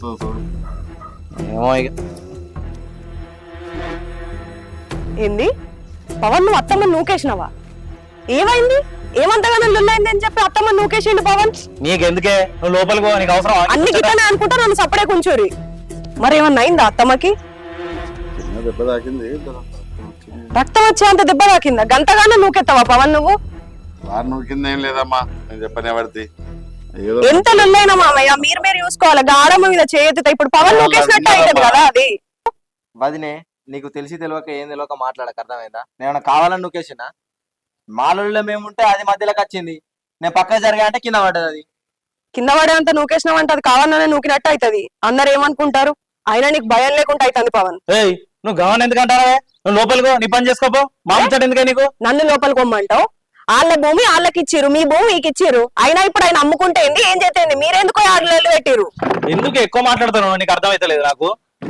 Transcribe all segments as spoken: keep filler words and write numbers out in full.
ఏమో ఇక ఏంది పవన్ నువ్వు అత్తమ్మ నూకేసినవా? ఏమైంది? ఏమంతగానో లొల్లైంది అని చెప్పి అత్తమ్మ నూకేసిండు పవన్. నీకెందుకే నువ్వు లోపలికి పో, నీకు అవసరం అన్ని గిట్టనే అనుకుంటా నన్ను సపడే కూర్చోరి. మరి ఏమన్నా అయిందా అత్తమ్మకి? దెబ్బ తాకింది. రక్తం వచ్చే అంత దెబ్బ తాకిందా? గంటగానే నూకెత్తావా పవన్ నువ్వు? వారు నూకింది ఏం లేదమ్మా, నేను చెప్పనే పడితే ఎంత లొల్లైనా మామయ్య మీరు మీరు చూసుకోవాలి. గాడమ్మ మీద చేయెత్తుతా ఇప్పుడు పవన్ నూకేసినట్టు అవుతుంది కదా అది. వదినే నీకు తెలిసి తెలియక ఏం తెలియక మాట్లాడక అర్థమైందా? నేను కావాలని నూకేసిన మాలలో మేముంటే అది మధ్యలోకి వచ్చింది, నేను పక్కకు జరిగా అంటే కింద పడ్డది. అది కింద పడేంత నూకేసినావంటే అది కావాలనే నూకినట్టు అవుతుంది. అందరు ఏమనుకుంటారు? అయినా నీకు భయం లేకుండా అవుతుంది పవన్. ఏయ్ నువ్వు గమనం ఎందుకంటావే? నువ్వు లోపలికో, నీ పని చేసుకోపో. మామూలు ఎందుకే నీకు? నన్ను లోపలికి పొమ్మంటావు? వాళ్ళ భూమి వాళ్ళకి ఇచ్చిర్రు, మీ భూమి మీకు ఇచ్చిర్రు. అయినా ఇప్పుడు ఆయన అమ్ముకుంటే ఏంది, ఏం చేస్తే మీరెందుకో ఆడలు పెట్టిరు? ఎందుకు ఎక్కువ మాట్లాడుతున్నావు? నీకు అర్థమైతలేదు నాకు.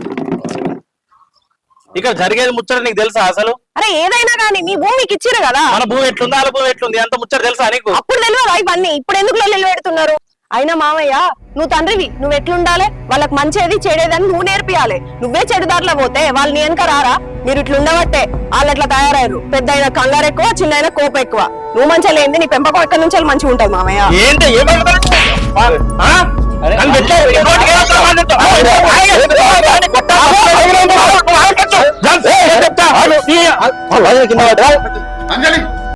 ఇక్కడ జరిగేది ముచ్చట నీకు తెలుసా అసలు? అరే ఏదైనా కానీ మీ భూమి మీకు ఇచ్చిర్రు కదా. మన భూమి ఎట్లుంది, వాళ్ళ భూమి ఎట్లుంది, అంత ముచ్చట తెలుసా నీకు? అప్పుడు తెలియదా ఇవన్నీ? ఇప్పుడు ఎందుకు లొల్లి పెడుతున్నారు? అయినా మామయ్య నువ్వు తండ్రివి, నువ్వు ఎట్లుండాలి, వాళ్ళకి మంచిది చెడేదని నువ్వు నేర్పియాలి. నువ్వే చెడుదారిలో పోతే వాళ్ళు నీ వెనక రారా? మీరు ఇట్లా ఉండబట్టే వాళ్ళు అట్లా తయారయ్యారు. పెద్ద అయిన కంగారు ఎక్కువ, చిన్న అయిన కోపం ఎక్కువ. నువ్వు మంచిగా లేని నీ పెంపకం ఎక్కడి నుంచి మంచిగా ఉంటది మామయ్య. ఏంటి అంజలి